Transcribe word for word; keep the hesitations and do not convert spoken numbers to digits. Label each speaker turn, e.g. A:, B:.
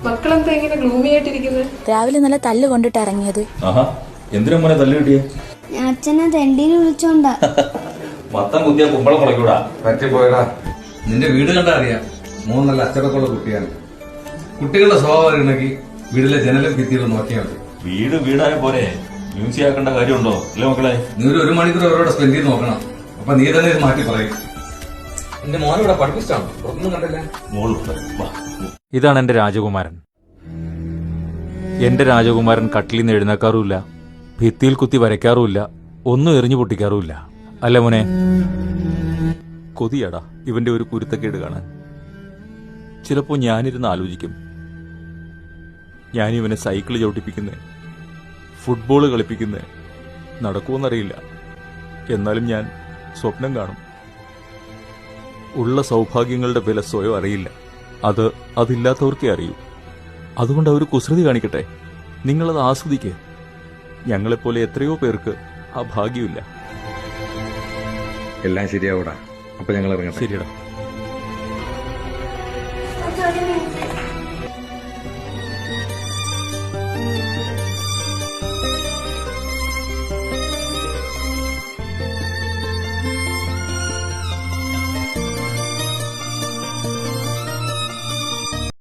A: മക്കളെന്താ ഇങ്ങനെ ഗ്ലൂമി ആയിട്ടിരിക്കുന്നത്?
B: രാവിലെ നല്ല തല്ല് കൊണ്ടിട്ട് ഇറങ്ങിയത്.
C: എന്തിനാ മോനെ തല്ല് കിട്ടിയേ?
D: അച്ഛനെ തെണ്ടിയിൽ വിളിച്ചോണ്ടാ.
C: മത്തം കുത്തിയ കുമ്പളം മുളയ്ക്കൂടാ.
E: പറ്റിപ്പോയടാ. നിന്റെ വീട് കണ്ടാ അറിയാം, മൂന്ന് നല്ല അച്ചടക്കമുള്ള കുട്ടിയാണ്. കുട്ടികളുടെ സ്വഭാവം അറിയണമെങ്കിൽ വീട്ടിലെ ജനലും ഭിത്തികളും നോക്കിയാൽ മതി.
C: വീട് വീടായ പോരെ, മ്യൂസിയം ആക്കേണ്ട കാര്യമുണ്ടോ? അല്ലേ മക്കളെ?
E: നീ ഒരു ഒരു മണിക്കൂർ അവരോട് സ്പെൻഡ് ചെയ്ത് നോക്കണം. അപ്പൊ നീ തന്നെ ഇത് മാറ്റി പറയും. എന്റെ മോനിവിടെ പഠിപ്പിച്ചാണോ? പുറത്തൊന്നും കണ്ടില്ല.
F: ഇതാണ് എന്റെ രാജകുമാരൻ. എന്റെ രാജകുമാരൻ കട്ടിലിൽ നിന്ന് എഴുന്നേക്കാറുമില്ല, ഭിത്തിയിൽ കുത്തി വരയ്ക്കാറുമില്ല, ഒന്നും എറിഞ്ഞു പൊട്ടിക്കാറുമില്ല. അല്ല മോനെ? കൊതിയാടാ ഇവന്റെ ഒരു കുരുത്തക്കേട് കാണാൻ. ചിലപ്പോ ഞാനിരുന്ന് ആലോചിക്കും, ഞാനിവനെ സൈക്കിൾ ചവിട്ടിപ്പിക്കുന്നേ, ഫുട്ബോൾ കളിപ്പിക്കുന്നേ, നടക്കുമെന്നറിയില്ല. എന്നാലും ഞാൻ സ്വപ്നം കാണും. ഉള്ള സൗഭാഗ്യങ്ങളുടെ വില സ്വയം അറിയില്ല, അത് അതില്ലാത്തവർക്കേ അറിയൂ. അതുകൊണ്ട് അവർ കുസൃതി കാണിക്കട്ടെ, നിങ്ങളത് ആസ്വദിക്കുക. ഞങ്ങളെപ്പോലെ എത്രയോ പേർക്ക് ആ ഭാഗ്യമില്ല.
E: എല്ലാം ശരിയാവൂടാ. അപ്പൊ ഞങ്ങൾ ഇറങ്ങട്ടെ.
F: ശരിയടാ.